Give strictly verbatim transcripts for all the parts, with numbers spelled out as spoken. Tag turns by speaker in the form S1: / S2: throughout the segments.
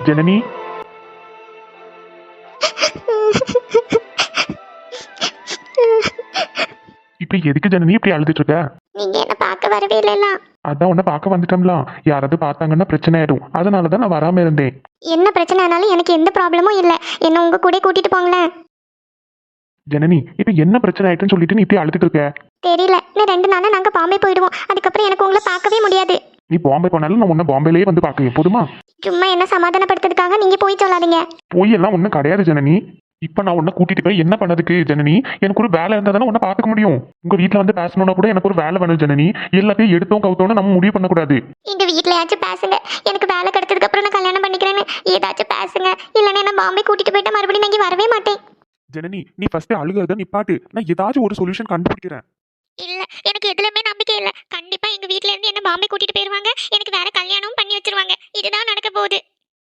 S1: ஜனனி, இப்ப எதுக்கு ஜனனி இப்படி அழுதுட்டு இருக்க?
S2: நீங்க என்ன பார்க்க வரவே இல்லைல்ல.
S1: அதான் உன்னை பார்க்க வந்துட்டோம்லாம். யாராவது பார்த்தாங்கன்னா பிரச்சனை ஆயிடும். அதனாலதான் நான் வராம இருந்தேன்.
S2: என்ன பிரச்சனை ஆனாலும் எனக்கு எந்த ப்ராப்ளமும் இல்லை. என்ன உங்க கூட கூட்டிட்டு போங்களேன்.
S1: ஜனனி, இப்ப என்ன பிரச்சனை ஆயிட்டுன்னு சொல்லிட்டு நீ இப்படி அழுதுட்டு இருக்க?
S2: தெரியல, இன்னும் ரெண்டு நாளா நாங்க பாம்பே போயிடுவோம். அதுக்கப்புறம் எனக்கு உங்களை பார்க்கவே முடியாது.
S1: நீ பாம்பே போனாலும் நான் உன்னை பாம்பேலயே வந்து பார்க்கேன். போதுமா?
S2: சும்மா என்ன சமாதானப்படுத்துறதுக்காக நீங்க போய் சொல்லாதீங்க.
S1: போய் எல்லாம் ஒன்றும் கிடையாது ஜனனி. இப்ப நான் உன்னை கூட்டிட்டு போய் என்ன பண்ணதுக்கு ஜனனி? எனக்கு ஒரு வேலை இருந்தா தானே உன்னை பார்த்துக்க முடியும். உங்க வீட்டுல வந்து பேசணும்னா கூட எனக்கு ஒரு வேலை வேணும் ஜனனி. எல்லாத்தையும் எடுத்தோம் கவுத்தோன்னு நம்ம முடிவு பண்ணக்கூடாது.
S2: எங்க வீட்லயாச்சும் பேசுங்க. எனக்கு வேலை கிடைச்சதுக்கு அப்புறம் நான் கல்யாணம் பண்ணிக்கிறேன்னு ஏதாச்சும் பேசுங்க. இல்லைன்னா என்ன பாம்பே கூட்டிட்டு போயிட்டா மறுபடியும் நான் இங்க வரவே மாட்டேன்.
S1: ஜனனி, நீ ஃபர்ஸ்ட் அழுகிறத நிப்பாட்டு. நான் ஏதாச்சும் ஒரு சொல்யூஷன் கண்டுபிடிக்கிறேன்.
S2: இல்ல, எனக்கு எதுலயுமே நம்பிக்கை இல்ல. கண்டிப்பா எங்க வீட்ல இருந்து என்ன பாம்பே கூட்டிட்டு போயிருவாங்க. எனக்கு வேற கல்யாணமும் பண்ணி வச்சிருவாங்க. இதுதான் நடக்க போகுது.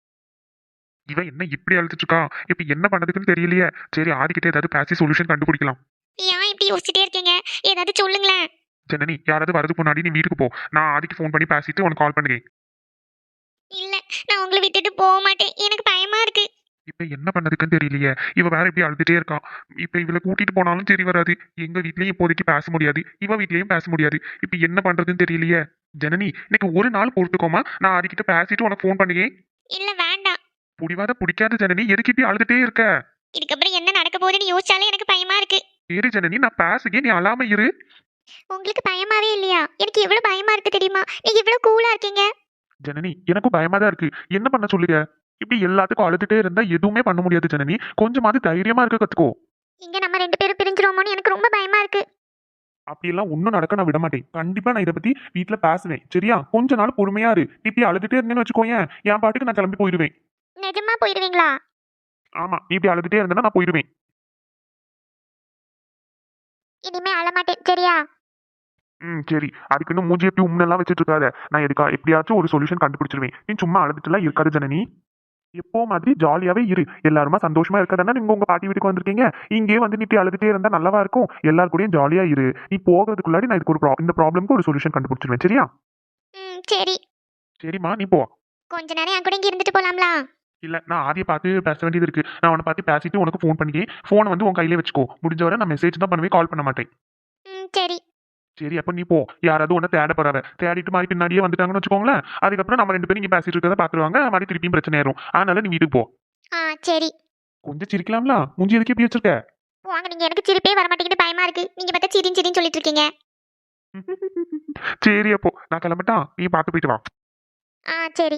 S1: இவன் என்ன இப்படி அழுதுட்டு இருக்கா? இப்ப என்ன பண்ணதுக்குன்னு தெரியலையே. சரி, ஆதிக்கிட்ட ஏதாவது பேசி சொல்யூஷன் கண்டுபிடிக்கலாம்.
S2: ஏன் இப்படி யோசிச்சுட்டே இருக்கீங்க? ஏதாவது சொல்லுங்களேன்.
S1: ஜனனி, யாராவது வரதுக்கு முன்னாடி நீ வீட்டுக்கு போ. நான் ஆதிக்கு ஃபோன் பண்ணி பேசிட்டு உனக்கு கால் பண்ணுறேன்.
S2: இல்ல, நான் உங்களை விட்டுட்டு போக மாட்டேன். எனக்கு பயமா இருக்கு.
S1: இப்ப என்ன பண்ணதுக்குன்னு தெரியலையே. இவ வேற இப்படி அழுதுட்டே இருக்கா. இப்ப இவளை கூட்டிட்டு போனாலும் சரி வராது. எங்க வீட்லயும் இப்போதைக்கு பேச முடியாது. இவ வீட்லயும் பேச முடியாது. இப்ப என்ன பண்றதுன்னு தெரியலையே. ஜனனி, இன்னைக்கு ஒரு நாள் பொறுத்துக்கோமா. நான் ஆதிக்கிட்ட பேசிட்டு உனக்கு ஃபோன் பண்ணுறேன்.
S2: இல்ல, வேண்டாம்.
S1: புடிவாத பிடிக்காத ஜனனி. எதுக்கு இப்படி அழுதுட்டே இருக்க?
S2: இதுக்கப்புறம் என்ன நடக்க போகுதுன்னு யோசிச்சாலே எனக்கு பயமா இருக்கு.
S1: சரி ஜனனி, நான் பேசுகே, நீ அழாம இரு.
S2: உங்களுக்கு பயமாவே இல்லையா? எனக்கு எவ்வளவு பயமா இருக்கு தெரியுமா? நீங்க இவ்வளவு கூலா இருக்கீங்க.
S1: ஜனனி, எனக்கும் பயமா தான் இருக்கு. என்ன பண்ண சொல்லுங்க? இப்படி எல்லாத்துக்கும் அழுதுட்டே இருந்தா எதுவுமே பண்ண முடியாது ஜனனி. கொஞ்சமாவது தைரியமா இருக்க கத்துக்கோ.
S2: இங்க நம்ம ரெண்டு பேரும் பிரிஞ்சிரோமோன்னு எனக்கு ரொம்ப பயமா இருக்கு.
S1: அப்படியெல்லாம் ஒன்றும் நடக்க நான் விட மாட்டேன். கண்டிப்பா நான் இதை பத்தி வீட்டுல பேசுவேன். சரியா? கொஞ்ச நாள் பொறுமையா இரு. இப்படி அழுதுட்டே இருந்தேன்னு வச்சுக்கோயேன், என் பாட்டுக்கு நான் கிளம்பி போயிடுவேன்.
S2: நிஜமா போயிடுவீங்களா?
S1: ஆமா, நீ இப்படி அழுதுட்டே இருந்தேன்னா நான் போயிடுவேன்.
S2: இனிமே அழ மாட்டேன், சரியா?
S1: ம் சரி. அதுக்குன்னு மூஞ்சி எப்படி உம்னெல்லாம் வச்சுட்டு இருக்காத. நான் எதுக்கா எப்படியாச்சும் ஒரு சொல்யூஷன் கண்டுபிடிச்சிருவேன். நீ சும்மா அழுதுட்டுலாம் இருக்காது ஜனனி. எப்போ மாதிரி ஜாலியாவே இரு. எல்லாருமா சந்தோஷமா இருக்கதானே நீங்க உங்க பாட்டி வீட்டுக்கு வந்திருக்கீங்க. இங்கே வந்து நீ இப்படி அழுதுட்டே இருந்தா நல்லாவா இருக்கும்? எல்லாரு கூடயும் ஜாலியா இரு. நீ போகிறதுக்குள்ளாடி நான் இதுக்கு ஒரு ப்ரா- இந்த ப்ராப்ளம்க்கு ஒரு சொல்யூஷன் கண்டுபிடிச்சிருவேன். சரியா?
S2: ம், சரி.
S1: சரிம்மா, நீ போ.
S2: கொஞ்ச நேரம் என் கூட இங்க இருந்துட்டு போலாம்ல?
S1: இல்ல, நான் ஆதியை பார்த்து பேச வேண்டியது இருக்கு. நான் உன்னை பார்த்து பேசிட்டு உனக்கு ஃபோன் பண்ணி ஃபோனை வந்து உன் கையிலே வச்சுக்கோ. முடிஞ்ச வரை நான் மெசேஜ் தான் பண்ணுவேன், கால் பண்ண மாட்டேன்.
S2: ம், சரி.
S1: சரி, அப்ப நீ போ. யாராவது உன்னை தேட போறாவ. தேடிட்டு மாதிரி பின்னாடியே வந்துட்டாங்கன்னு வச்சுக்கோங்களேன். அதுக்கப்புறம் நம்ம ரெண்டு பேரும் இங்க பேசிட்டு இருக்கதை பாத்துருவாங்க. மாதிரி திருப்பியும் பிரச்சனை ஆயிரும். அதனால நீ வீட்டுக்கு போ.
S2: ஆ, சரி.
S1: கொஞ்சம் சிரிக்கலாம்ல. மூஞ்சி எதுக்கு எப்படி வச்சிருக்க?
S2: வாங்க, நீங்க எனக்கு சிரிப்பே வர மாட்டேங்குது, பயமா இருக்கு. நீங்க பார்த்தா சிரின்னு சிரின்னு சொல்லிட்டு இருக்கீங்க.
S1: சரி, அப்போ நான் கிளம்பட்டா? நீ பார்த்து போயிட்டு வா.
S2: ஆ, சரி.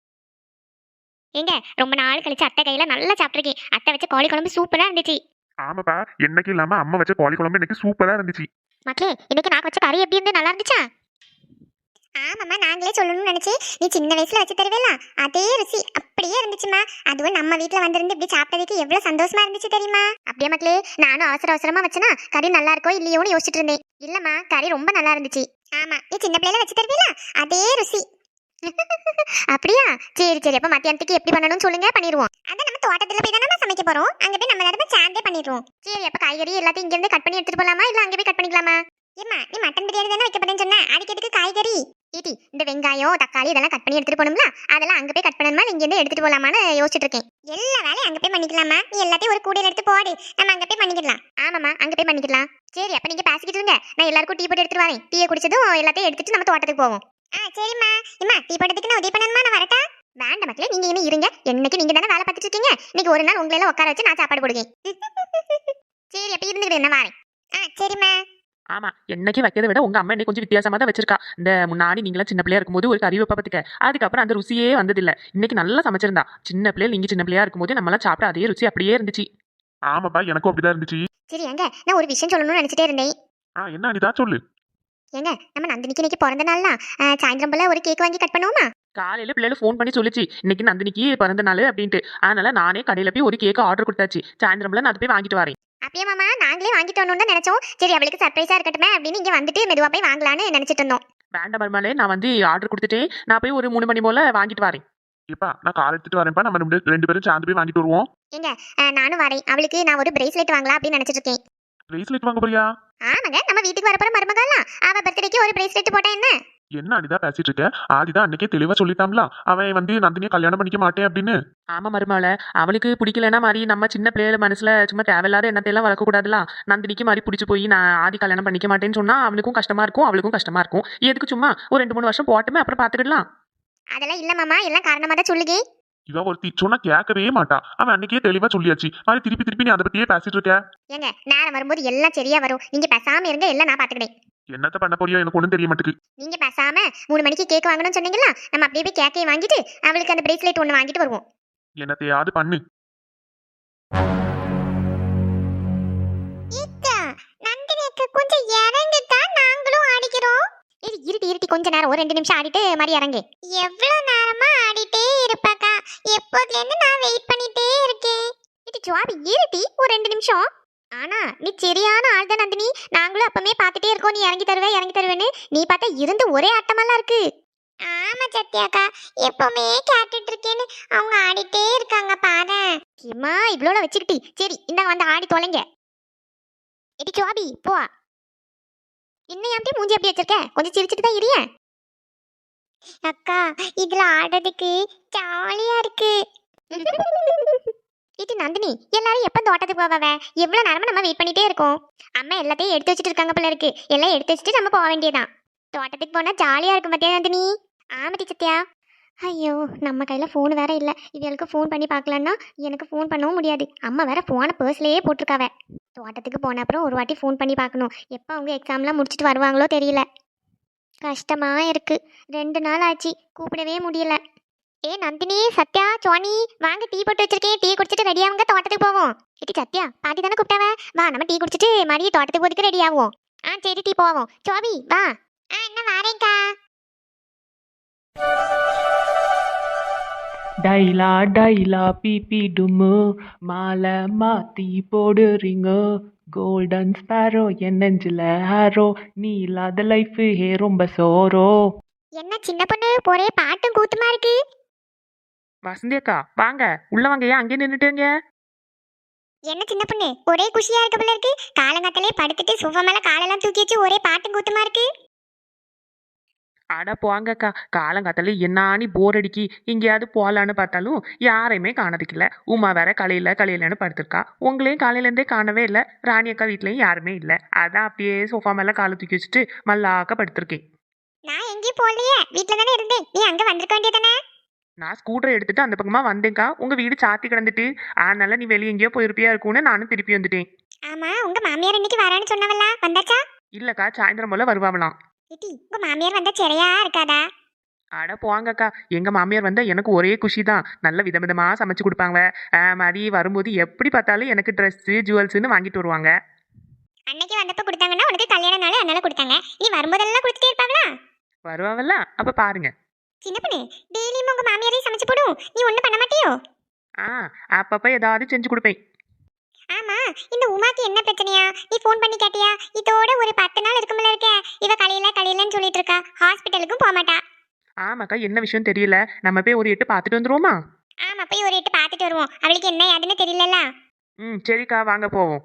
S2: ஏங்க, ரொம்ப நாள் கழிச்சு அத்தை கையில நல்லா சாப்பிட்டுருக்கேன். அத்தை வச்ச கோழி குழம்பு சூப்பரா இருந்துச்சு.
S1: ஆமாப்பா, என்னைக்கு இல்லாம அம்மா வச்ச கோழி குழம்பு இன்னைக்கு சூப்பரா இருந்துச்சு.
S2: மக்களே, இன்னைக்கு நான் வச்ச கறி எப்படி இருந்து நல்லா இருந்துச்சா? ஆமாம்மா, நாங்களே சொல்லணும்னு நினைச்சு நீ சின்ன வயசுல வச்சு தருவேல, அதே ருசி அப்படியே இருந்துச்சுமா. அதுவும் நம்ம வீட்டுல வந்திருந்து இப்படி சாப்பிட்டதுக்கு எவ்வளவு சந்தோஷமா இருந்துச்சு தெரியுமா? அப்படியே மக்களே, நானும் அவசர அவசரமா வச்சனா கறி நல்லா இருக்கோ இல்லையோன்னு யோசிச்சுட்டு இருந்தேன். இல்லம்மா, கறி ரொம்ப நல்லா இருந்துச்சு. ஆமா, நீ சின்ன பிள்ளைல வச்சு தருவேல, அதே ருசி. அப்படியா? சரி சரி, அப்ப மத்தியானத்துக்கு எப்படி பண்ணணும்னு சொல்லுங்க, பண்ணிடுவோம். அதான் நம்ம தோட்டத்துல போய் தானே சமைக்க போறோம். அங்க போய் நம்ம நேரமா சேர்ந்தே பண்ணிடுவோம். சரி, அப்ப காய்கறி எல்லாத்தையும் இங்க இருந்து கட் பண்ணி எடுத்துட்டு போலாமா, இல்ல அங்க போய் கட் பண்ணிக்கலாமா? ஏம்மா, நீ மட்டன் பிரியாணி தானே வைக்க போறேன்னு சொன்ன, அதுக்கு எதுக்கு காய்கறி? ஈட்டி, இந்த வெங்காயம் தக்காளி இதெல்லாம் கட் பண்ணி எடுத்துட்டு போகணும்ல, அதெல்லாம் அங்க போய் கட் பண்ணணுமா, இங்க இருந்து எடுத்துட்டு போலாமான்னு யோசிச்சுட்டு இருக்கேன். எல்லா வேலையும் அங்க போய் பண்ணிக்கலாமா? நீ எல்லாத்தையும் ஒரு கூடையில எடுத்து போடு, நம்ம அங்க போய் பண்ணிக்கலாம். ஆமாமா, அங்க போய் பண்ணிக்கலாம். சரி, அப்ப நீங்க பேசிக்கிட்டு இருங்க, நான் எல்லாருக்கும் டீ போட்டு எடுத்துட்டு வரேன். டீயை குடிச்சதும் எல்லாத்தையும் எடுத்துட்டு நம்ம தோட்டத்துக்கு போவோம். ஆ, சரிம்மா. இம்மா, டீ போட்டதுக்கு நான் உதவி பண்ணணுமா, நான் வரட்டா? வேண்டாம் மக்களே, நீங்க இனிமே இருங்க. என்னைக்கு நீங்க தானே வேலை பார்த்துட்டு இருக்கீங்க. இன்னைக்கு ஒரு நாள் உங்களை எல்லாம் உட்கார வச்சு நான் சாப்பாடு போடுவேன். சரி, அப்ப இருந்துக்கிட்டு என்ன வரேன். ஆ, சரிம்மா.
S3: ஆமா, என்னைக்கு வைக்கிறத விட உங்க அம்மா இன்னைக்கு கொஞ்சம் வித்தியாசமா தான் வச்சிருக்கா. இந்த முன்னாடி நீங்களாம் சின்ன பிள்ளையா இருக்கும்போது ஒரு கறி வைப்பா பத்துக்க, அதுக்கப்புறம் அந்த ருசியே வந்ததில்ல. இன்னைக்கு நல்லா சமைச்சிருந்தா. சின்ன பிள்ளைல நீங்க சின்ன பிள்ளையா இருக்கும்போது நம்மளாம் சாப்பிட்ட அதே ருசி அப்படியே இருந்துச்சு.
S1: ஆமாப்பா, எனக்கும் அப்படிதான் இருந்துச்சு.
S2: சரி, எங்க நான் ஒரு விஷயம் சொல்லணும்னு நினைச்சிட்டே இருந்தேன்.
S1: ஆ, என்ன அனிதா, சொல்லு.
S2: ஏங்க, நம்ம நந்தினிக்கு இன்னைக்கு பிறந்த நாள்லாம் சாயந்தரம் போல ஒரு கேக் வாங்கி கட் பண்ணுவோமா?
S3: காலையில பிள்ளைல ஃபோன் பண்ணி சொல்லிச்சு இன்னைக்கு நந்தினிக்கு பிறந்த நாள் அப்படின்ட்டு. அதனால நானே கடையில போய் ஒரு கேக் ஆர்டர் கொடுத்தாச்சு. சாயந்தரம்ல நான் அதை போய் வாங்கிட்டு வரேன்.
S2: அப்படியே மாமா, நாங்களே வாங்கிட்டு வரணும்னு தான் நினைச்சோம். சரி, அவளுக்கு சர்ப்ரைஸா இருக்கட்டுமே அப்படின்னு இங்க வந்துட்டு மெதுவா போய் வாங்கலான்னு நினைச்சிட்டு இருந்தோம்.
S3: வேண்டாம் மருமகளே, நான் வந்து ஆர்டர் கொடுத்துட்டேன். நான் போய் ஒரு மூணு மணி போல வாங்கிட்டு வரேன்.
S1: இப்பா நான் கார் எடுத்துட்டு வரேன்ப்பா. நம்ம ரெண்டு ரெண்டு பேரும் சேர்ந்து போய் வாங்கிட்டு வருவோம்.
S2: ஏங்க, நானும் வரேன். அவளுக்கு நான் ஒரு பிரேஸ்லெட் வாங்கலாம் அப்படின்னு நினைச்சிட்டு இருக்கேன்.
S1: பிரேஸ்லெட் வாங்க போறியா?
S2: ஆமாங்க, நம்ம வீட்டுக்கு வரப்போற மருமகாலாம் அவ பர்த்டேக்கு ஒரு பிரேஸ்லெட் போட்டா என்ன?
S1: என்ன அனிதா பேசிட்டு இருக்க? ஆதிதான் அன்னைக்கே தெளிவா சொல்லிட்டாங்களா, அவன் வந்து நந்தினியை கல்யாணம் பண்ணிக்க மாட்டேன் அப்படின்னு.
S3: ஆமா மருமவள, அவளுக்கு பிடிக்கலன்னா மாதிரி நம்ம சின்ன பிள்ளைகள மனசுல சும்மா தேவையில்லாத எண்ணத்தையெல்லாம் வளர்க்க கூடாதுலாம். நந்தினிக்கு மாதிரி பிடிச்சி போய் நான் ஆதி கல்யாணம் பண்ணிக்க மாட்டேன்னு சொன்னா அவனுக்கும் கஷ்டமா இருக்கும், அவளுக்கும் கஷ்டமா இருக்கும். எதுக்கு சும்மா ஒரு ரெண்டு மூணு வருஷம் போட்டுமே அப்புறம் பாத்துக்கிடலாம்.
S2: அதெல்லாம் இல்ல மாமா, எல்லாம் காரணமா தான் சொல்லுங்க.
S1: இவ ஒருத்தி சொன்னா கேட்கவே மாட்டா. அவன் அன்னைக்கே தெளிவா சொல்லியாச்சு, மாதிரி திருப்பி திருப்பி நீ அதை பத்தியே பேசிட்டு இருக்க.
S2: ஏங்க நேரம் வரும்போது எல்லாம் சரியா வரும், நீங்க பேசாம இருங்க, எல்லாம் நான் பாத்துக்கிறேன்.
S1: என்னத்த பண்ண போறியோ எனக்கு ஒண்ணும் தெரிய மாட்டேங்குது.
S2: நீங்க பேசாம மூணு மணிக்கு கேக் வாங்கணும்னு சொன்னீங்களா, நம்ம அப்படியே போய் கேக்கையை வாங்கிட்டு அவளுக்கு அந்த பிரேஸ்லெட் ஒன்று வாங்கிட்டு வருவோம்.
S1: என்னத்தையாவது பண்ணு.
S2: கொஞ்சம் இறங்குக்கா, நாங்களும் ஆடிக்கிறோம். இது இருட்டி இருட்டி கொஞ்ச நேரம் ஒரு ரெண்டு நிமிஷம் ஆடிட்டு மாதிரி இறங்கு. எவ்வளவு நேரமா ஆடிட்டே இருப்பாக்கா, எப்போதுல இருந்து நான் வெயிட் பண்ணிட்டே இருக்கேன். இது ஜாபி இருட்டி ஒரு ரெண்டு நிமிஷம். ஆனா நீ சரியான ஆள் தான் நந்தினி, நாங்களும் அப்பமே பார்த்துட்டே இருக்கோம் நீ இறங்கி தருவே இறங்கி தருவேன்னு. நீ பார்த்தா இருந்து ஒரே ஆட்டமெல்லாம் இருக்கு. ஆமா சத்யாக்கா, எப்பவுமே கேட்டுட்டு இருக்கேன்னு அவங்க ஆடிட்டே இருக்காங்க பாரு. கிம்மா இவ்வளோ வச்சுக்கிட்டி, சரி இந்தாங்க வந்து ஆடி தொலைங்க. எடி ஜாபி போ. இன்னும் எப்படி மூஞ்சி எப்படி வச்சிருக்க, கொஞ்சம் சிரிச்சுட்டு தான் இரிய. அக்கா இதுல ஆடுறதுக்கு ஜாலியா இருக்கு. இது நந்தினி, எல்லாரும் எப்ப தோட்டத்துக்கு போவாவ? எவ்வளவு நேரமா நம்ம வெயிட் பண்ணிட்டே இருக்கோம். அம்மா எல்லாத்தையும் எடுத்து வச்சுட்டு இருக்காங்க போல இருக்கு, எல்லாம் எடுத்து வச்சுட்டு நம்ம போக வேண்டியதான். தோட்டத்துக்கு போனா ஜாலியா இருக்கும் பத்தியா நந்தினி? ஆமாட்டி சத்யா. ஐயோ நம்ம கையில ஃபோன் வேற இல்ல, இவளுக்கு ஃபோன் பண்ணி பார்க்கலன்னா எனக்கு ஃபோன் பண்ணவும் முடியாது. அம்மா வேற ஃபோனை பர்ஸ்லயே போட்டிருக்காவ. தோட்டத்துக்கு போன அப்புறம் ஒரு வாட்டி ஃபோன் பண்ணி பார்க்கணும், எப்போ அவங்க எக்ஸாம்லாம் முடிச்சுட்டு வருவாங்களோ தெரியல. கஷ்டமா இருக்கு, ரெண்டு நாள் ஆச்சு கூப்பிடவே முடியல. ஏ நந்தினி சத்யா சோனி வாங்க, டீ போட்டு வச்சிருக்கேன், டீ குடிச்சிட்டு ரெடி ஆகுங்க, தோட்டத்துக்கு போவோம். ஏடி சத்யா பாட்டி தானே கூப்பிட்டாவ, வா நம்ம டீ குடிச்சிட்டு மறுபடியும் தோட்டத்துக்கு போறதுக்கு ரெடி ஆகும். ஆ சரி டீ போவோம். சோபி வா. ஆ என்ன வாரேங்க்கா.
S4: டைலா டைலா பிபி டும்மு மாலை மாத்தி போடுறீங்க, கோல்டன் ஸ்பேரோ என் நெஞ்சில ஹாரோ, நீ இல்லாத லைஃப் ஹே ரொம்ப சோரோ.
S2: என்ன சின்ன பொண்ணு ஒரே பாட்டும் கூத்துமா இருக்கு.
S3: வசந்தி அக்கா வாங்க உள்ள வாங்க, ஏன் அங்கே நின்றுட்டுங்க?
S2: என்ன சின்ன பொண்ணு ஒரே குஷியா இருக்க போல இருக்கு, காலங்காத்தாலே படுத்துட்டு சுஃபா மேல காலெல்லாம் தூக்கி வச்சு ஒரே பாட்டும் கூத்துமா இருக்கு.
S3: அட போங்கக்கா, காலங்காத்தால என்னானி போர் அடிக்கி எங்கேயாவது போகலான்னு பார்த்தாலும் யாரையுமே காணதுக்கில்ல. உமா வேற கலையில கலையிலன்னு படுத்திருக்கா, உங்களையும் காலையிலேருந்தே காணவே இல்லை. ராணி அக்கா வீட்லேயும் யாருமே இல்லை, அதான் அப்படியே சோஃபா மேலே காலை தூக்கி வச்சுட்டு மல்லாக்க படுத்திருக்கேன்.
S2: நான் எங்கேயும் போகலையே, வீட்டில் தானே இருந்தேன், நீ அங்கே வந்திருக்க வேண்டியதானே.
S3: நான் ஸ்கூட்டரை எடுத்துட்டு அந்த பக்கமா வந்தேன்க்கா, உங்க வீடு சாத்தி கிடந்துட்டு, அதனால நீ வெளியே எங்கேயோ போயிருப்பியா இருக்கும்னு நானும் திருப்பி வந்துட்டேன்.
S2: ஆமா உங்க மாமியார் இன்னைக்கு வரான்னு சொன்னவளா, வந்தாச்சா?
S3: இல்லக்கா சாயந்தரம் போல வருவாங்களாம்.
S2: இட்டி உங்க மாமியார் வந்தா சரியா இருக்காதா?
S3: அட போங்கக்கா, எங்க மாமியார் வந்தா எனக்கு ஒரே குஷி தான். நல்ல விதவிதமா சமைச்சு கொடுப்பாங்க, மாதிரி வரும்போது எப்படி பார்த்தாலும் எனக்கு ட்ரெஸ்ஸு ஜுவல்ஸ்ன்னு வாங்கிட்டு வருவாங்க.
S2: அன்னைக்கு வந்தப்ப கொடுத்தாங்கன்னா உனக்கு கல்யாண நாள் அதனால கொடுத்தாங்க, நீ வரும்போதெல்லாம் கொடுத்துட்டே இருப்பாங்களா?
S3: வருவாங்கல்ல, அப்ப பாருங்க.
S2: சின்ன பொண்ணு டெய்லியும் உங்க மாமியாரையும் சமைச்சு போடும், நீ ஒன்றும் பண்ண மாட்டியோ?
S3: ஆ அப்பப்ப ஏதாவது செஞ்சு கொடுப்பேன்.
S2: ஆமா இந்த உமாக்கு என்ன பிரச்சனையா, நீ ஃபோன் பண்ணி கேட்டியா? இதோட ஒரு பத்து நாள் இருக்கும்ல இருக்க, இவ கலையில கலையிலன்னு சொல்லிட்டு இருக்கா, ஹாஸ்பிட்டலுக்கும் போக மாட்டா.
S3: ஆமாக்கா என்ன விஷயம் தெரியல, நம்ம போய் ஒரு எட்டு பார்த்துட்டு வந்துருவோமா?
S2: ஆமா போய் ஒரு எட்டு பார்த்துட்டு வருவோம், அவளுக்கு என்ன ஏதுன்னு தெரியலல்ல.
S3: ம் சரிக்கா வாங்க போவோம்.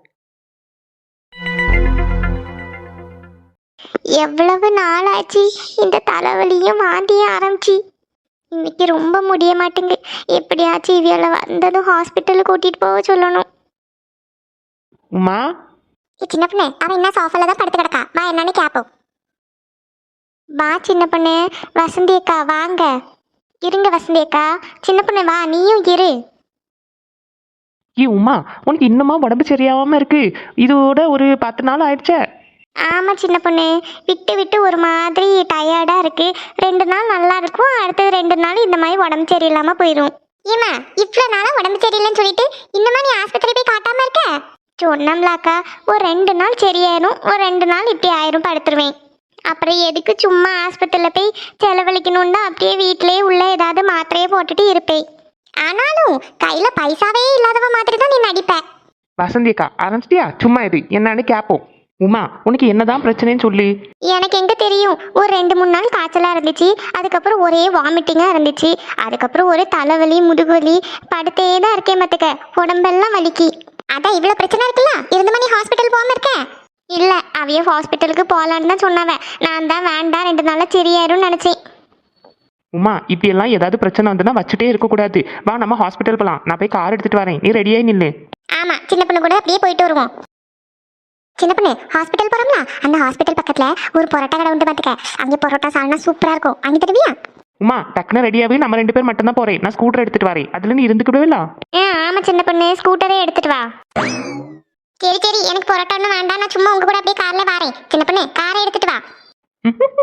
S2: எவ்வளவு நாள் ஆச்சு இந்த தலைவலியும் வாந்தியும் ஆரம்பிச்சு, இன்னைக்கு ரொம்ப முடிய மாட்டேங்கு. எப்படியாச்சும் இவியல வந்ததும் ஹாஸ்பிட்டலுக்கு கூட்டிட்டு போக சொல்லணும்.
S3: உமா
S2: சின்ன பொண்ணு அவன் என்ன சோஃபால தான் படுத்து கிடக்கா, வா என்னன்னு கேப்போம். வா சின்ன பொண்ணு. வசந்தி அக்கா வாங்க. இருங்க வசந்தி அக்கா. சின்ன பொண்ணு வா நீயும் இரு.
S4: ஏ உமா, உனக்கு இன்னுமா உடம்பு சரியாகாம இருக்கு? இதோட ஒரு பத்து நாள் ஆயிடுச்சே.
S2: ஆமா சின்ன பொண்ணு, விட்டு விட்டு ஒரு மாதிரி டயர்டா இருக்கு. ரெண்டு நாள் நல்லா இருக்கும், அடுத்தது ரெண்டு நாள் இந்த மாதிரி உடம்பு சரியில்லாம போயிடும். ஏமா இவ்வளோ நாளா உடம்பு சரியில்லைன்னு சொல்லிட்டு இன்னுமா நீ ஆஸ்பத்திரி போய் காட்டாம இருக்க? சொன்னம்லாக்கா ஒரு ரெண்டு நாள் சரியாயிரும், ஒரு ரெண்டு நாள் இப்படி ஆயிரும் படுத்துருவேன். அப்புறம் எதுக்கு சும்மா ஆஸ்பத்திரியில் போய் செலவழிக்கணும்னு தான் அப்படியே வீட்டிலேயே உள்ள ஏதாவது மாத்திரையே போட்டுட்டு இருப்பேன். ஆனாலும் கையில பைசாவே இல்லாதவ மாதிரி தான் நீ நடிப்ப.
S4: வசந்தி அக்கா ஆரம்பிச்சிட்டியா? சும்மா இது என்னன்னு கேட்போம். உமா உனக்கு என்னதான் பிரச்சனைன்னு சொல்லி.
S2: எனக்கு எங்க தெரியும், ஒரு ரெண்டு மூணு நாள் காய்ச்சலா இருந்துச்சு, அதுக்கப்புறம் ஒரே வாமிட்டிங்கா இருந்துச்சு, அதுக்கப்புறம் ஒரு தலைவலி முதுகுவலி, படுத்தே தான் இருக்கேன் மத்துக்க, உடம்பெல்லாம் வலிக்கு. அதான் இவ்வளவு பிரச்சனை இருக்குல்ல, இருந்த மணி ஹாஸ்பிட்டல் போகாம இருக்க. இல்ல அவைய ஹாஸ்பிட்டலுக்கு போலான்னு தான் சொன்னவன். நான் தான் வேண்டாம் ரெண்டு நாள்ல சரியாயிரும்னு நினைச்சேன்.
S4: உமா இப்படியெல்லாம் ஏதாவது பிரச்சனை வந்துன்னா வச்சுட்டே இருக்கக்கூடாது. வா நம்ம ஹாஸ்பிட்டல் போகலாம். நான் போய் கார் எடுத்துட்டு வரேன், நீ ரெடியாகி நில்லு.
S2: ஆமா சின்ன பொண்ணு கூட அப்படியே போயிட்டு வருவோம். சின்ன பொண்ணு ஹாஸ்பிட்டல் போறோம்ல, அந்த ஹாஸ்பிட்டல் பக்கத்துல ஒரு பரோட்டா கடை உண்டு பாத்துக்க. அங்கே பரோட்டா சால்னா சூப்பரா இருக்கும், அங்கே தருவியா?
S4: உமா டக்குனு ரெடியாகவே நம்ம ரெண்டு பேர் மட்டும் தான் போறேன். நான் ஸ்கூட்டர் எடுத்துட்டு வரேன், அதுல நீ இருந்துக்கிடுவில்ல?
S2: ஆ ஆமா சின்ன பொண்ணு ஸ்கூட்டரே எடுத்துட்டு வா. சரி சரி எனக்கு பரோட்டா ஒன்றும் வேண்டாம், நான் சும்மா உங்க கூட அப்படியே கார்ல வரேன். சின்ன பொண்ணு காரை எடுத்துட்டு வா.